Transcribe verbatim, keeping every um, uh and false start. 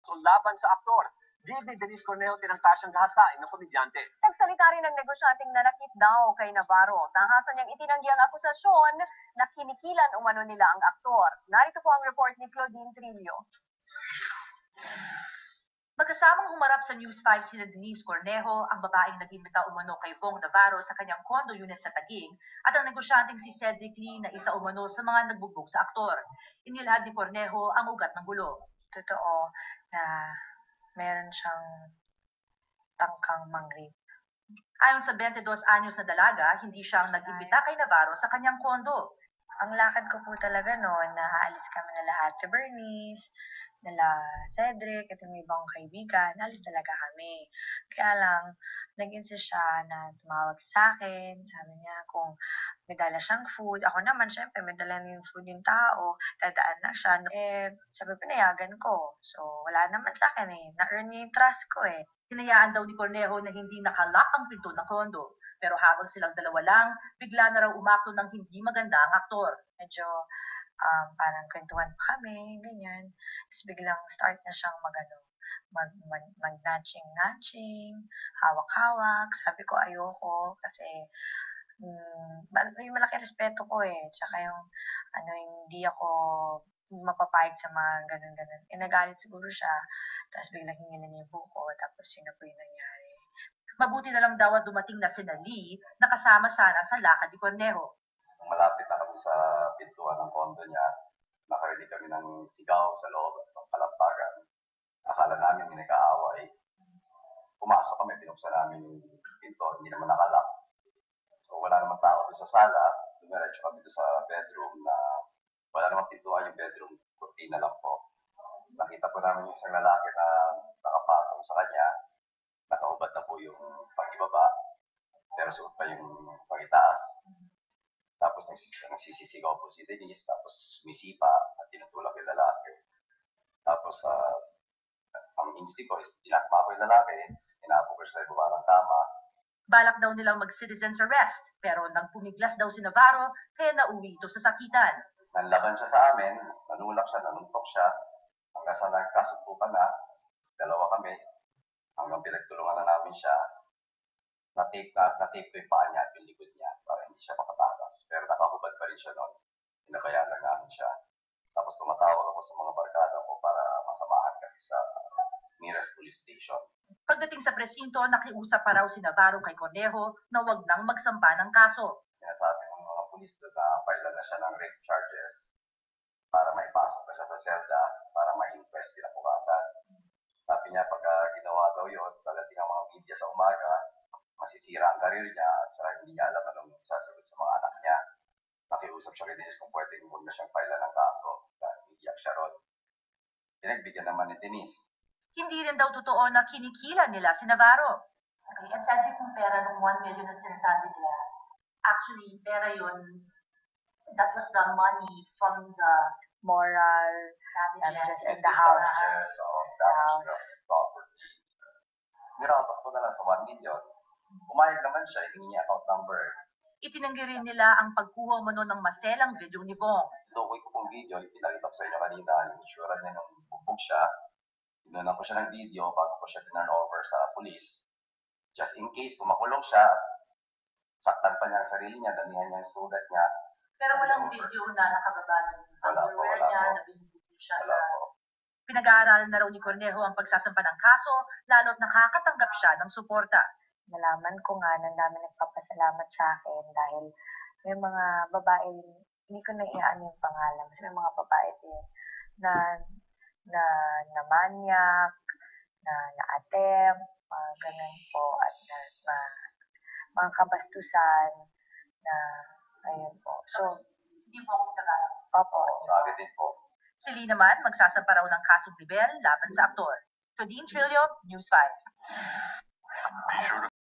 laban sa aktor. Di ni Denise Cornejo tinangka siyang gahasain ng komedyante. Nagsalita rin ng negosyanteng nanakit daw kay Navarro. Tahasan niyang itinanggi ang akusasyon na kinikilan umano nila ang aktor. Narito po ang report ni Claudine Trillo. Magkasamang humarap sa News five sina Denise Cornejo, ang babaeng nag-imbita umano kay Vong Navarro sa kanyang condo unit sa Taguig, at ang negosyanteng si Cedric Lee na isa umano sa mga nagbugbog sa aktor. Inilahad ni Cornejo ang ugat ng gulo. Totoo na meron siyang tangkang mangrip. Ayon sa twenty-dos anyos na dalaga, hindi siyang nag-imbita kay Navarro sa kanyang kondo. Ang lakad ko po talaga noon, na aalis kami na lahat sa Bernice, nala Cedric, at yung ibang kaibigan, alis talaga kami. Kaya lang, nag-insist siya na tumawag sa akin. Sabi niya kung may dala siyang food. Ako naman, syempre, may dala na yung food yung tao. Dadaan na siya. Eh, sabi ko, nayagan ko. So, wala naman sa akin eh. Na-earn niya yung trust ko eh. Hinayaan daw ni Cornejo na hindi nakalock ang pinto ng kondo. Pero habang silang dalawa lang, bigla na raw umakto ng hindi maganda ang aktor. Medyo um, parang kwentuhan pa kami, ganyan. Tapos biglang start na siyang magano, mag, mag, mag-natching-natching, hawak-hawak. Sabi ko ayoko kasi um, may malaki respeto ko eh. Tsaka yung ano, hindi ako mapapayag sa mga ganun-ganun. Eh, nagalit siguro siya. Tapos biglang hingilan niya yung buko. Tapos yun na po yung nangyari. Mabuti na lang daw at dumating na si Lee na kasama sana sa lakad ni Cornejo. Malapit na kami sa pintuan ng kondo niya, nakarinig kami ng sigaw sa loob ng kalampagan. Akala namin may nag-aaway. Pumasok kami, binuksan namin yung pinto, hindi naman nakalak. So wala namang tao doon sa sala, dumiretso kami doon sa bedroom na wala namang pintuan yung bedroom, kurtina lang po. Nakita po namin yung isang lalaki na nakapatong sa kanya. Nakaubad na po yung pag-ibaba, pero suot pa yung pag-itaas. Tapos nagsis nagsisisigaw po si Denise, tapos misipa at tinutulak yung lalaki. Tapos uh, ang instinct ko is tinakma ko yung lalaki, inapo ko sa ibaba ng kama. Balak daw nilang mag-citizen's arrest, pero nang pumiglas daw si Navarro, kaya nauwi ito sa sakitan. Nanlaban siya sa amin, nanulak siya, nanuntok siya, hanggang sa nagkasumpukan na, dalawa kami. Hanggang pinagtulungan na namin siya, na-tape na, na-tape ko yung paa niya at yung likod niya para hindi siya makatakas. Pero nakahubad pa rin siya noon. Hinabayaan lang namin siya. Tapos tumatawag ako sa mga barkada ko para masamahan kami sa nearest police station. Pagdating sa presinto, nakiusap pa raw si Navarro kay Cornejo na wag nang magsampa ng kaso. Sinasabi ng mga pulis na file na siya ng rape charges para maipasok na siya sa selda para ma-inquest kinabukasan. Sabi niya, pagka ginawa daw yun, pagdating ang mga media sa umaga, masisira ang karir niya, at saka hindi niya alam anong sasagot sa mga anak niya. Nakiusap siya kay Denise kung pwedeng huwag na siyang file ng kaso, dahil iiyak siya ron. Pinagbigyan naman ni Denise. Hindi rin daw totoo na kinikilan nila si Navarro. Okay, at sabi kong pera ng one million na sinasabi nila, actually, pera yun, that was the money from the moral damages in the house. Yes, so, damage the property. Nirapat ko na lang sa one million. Pumayag naman siya, hiningi niya account number. Itinanggi rin nila ang pagkuha mo ng maselang video ni Vong. Tukoy ko pong video, yung pinakita ko sa inyo kanina, yung itsura niya nung bubog siya. Tinunan ko siya ng video bago ko siya tinan over sa police. Just in case, kung makulong siya, saktan pa niya ang sarili niya, damihan niya yung sugat niya. Pero walang video na nakababa ng underwear niya, na binubuti siya wala sa... Po. Pinag-aaralan na raw ni Cornejo ang pagsasampa ng kaso, lalo't nakakatanggap siya ng suporta. Nalaman ko nga na dami nagpapasalamat sa akin dahil may mga babae, hindi ko na iaan yung pangalan, kasi may mga babae din na na na manyak, na na-attempt, mga ganun po, at na, na mga kabastusan na ayun po. So, hindi mo akong nakalang. Opo. Sa akin din po. Si Lee naman, magsasampa raw ng kasong libel laban sa aktor. Claudine Trillo, News five. Be sure to